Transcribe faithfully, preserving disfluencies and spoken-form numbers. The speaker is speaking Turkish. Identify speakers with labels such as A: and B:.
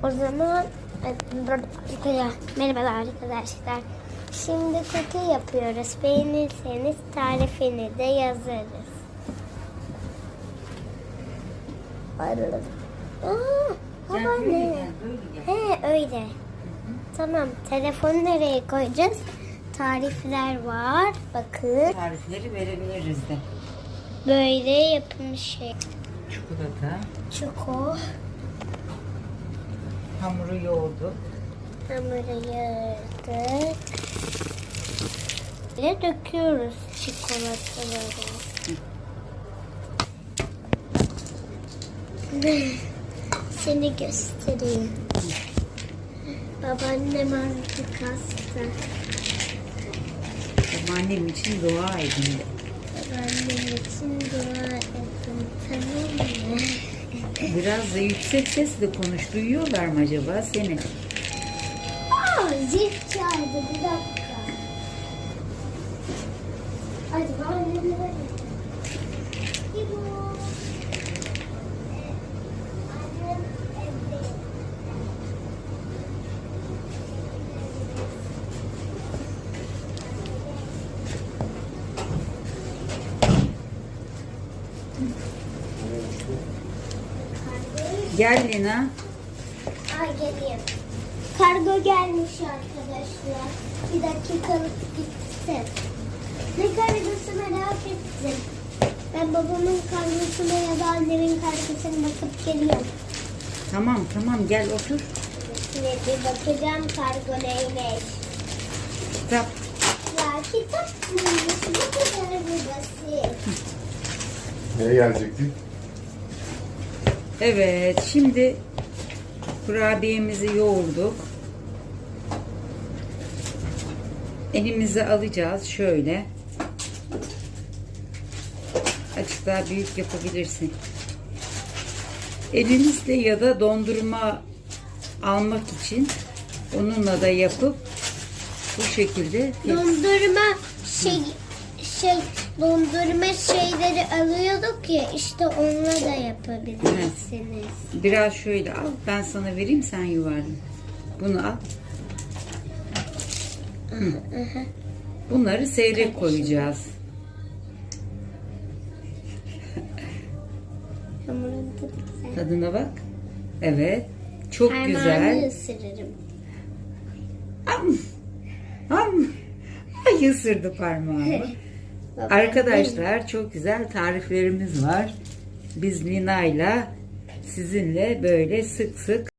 A: O zaman merhabalar arkadaşlar. Şimdi kuki yapıyoruz. Beğenirseniz tarifini de yazarız. Ayrılın. Aa, babaanne. He öyle. Hı hı. Tamam. Telefonu nereye koyacağız? Tarifler var. Bakın.
B: Tarifleri verebiliriz de.
A: Böyle yapılmış şey.
B: Çikolata.
A: Çiko.
B: Hamuru yoğurduk.
A: Hamuru yoğurduk. Ve döküyoruz çikolataları. Seni göstereyim. Babaannem artık hasta.
B: Annem için dua edin de.
A: Babaannem için dua edin. Tamam mı?
B: Biraz da yüksek sesle konuş. Duyuyorlar mı acaba seni?
A: Aa, zil çaldı. Bir dakika. Acaba annemle var. İbo. Annem evde.
B: Gel Lina.
A: Ay geleyim. Kargo gelmiş arkadaşlar. Bir dakikalık gitsin. Ne kargosu merak ettim. Ben babamın kargosuna ya da annemin kargosuna bakıp geliyorum.
B: Tamam tamam gel otur.
A: Şimdi bir bakacağım kargo neymiş.
B: Kitap.
A: Ya kitap mıymış? Bu kadar bir basit.
C: Neye gelecektik?
B: Evet şimdi kurabiyemizi yoğurduk. Elimize alacağız şöyle. Azıcık daha büyük yapabilirsin. Elinizle ya da dondurma almak için onunla da yapıp bu şekilde
A: Dondurma şey şey dondurma şeyleri alıyorduk ya işte onunla da yapabilirsiniz.
B: biraz şöyle al. Ben sana vereyim sen yuvarla. Bunu al. Hı. Bunları seyrek koyacağız.
A: Hamurun tadı güzel.
B: Tadına bak. Evet. Çok
A: Parmağını
B: güzel.
A: ısırırım.
B: Am. Am. Ay ısırdı parmağımı. Arkadaşlar çok güzel tariflerimiz var. Biz Lina'yla sizinle böyle sık sık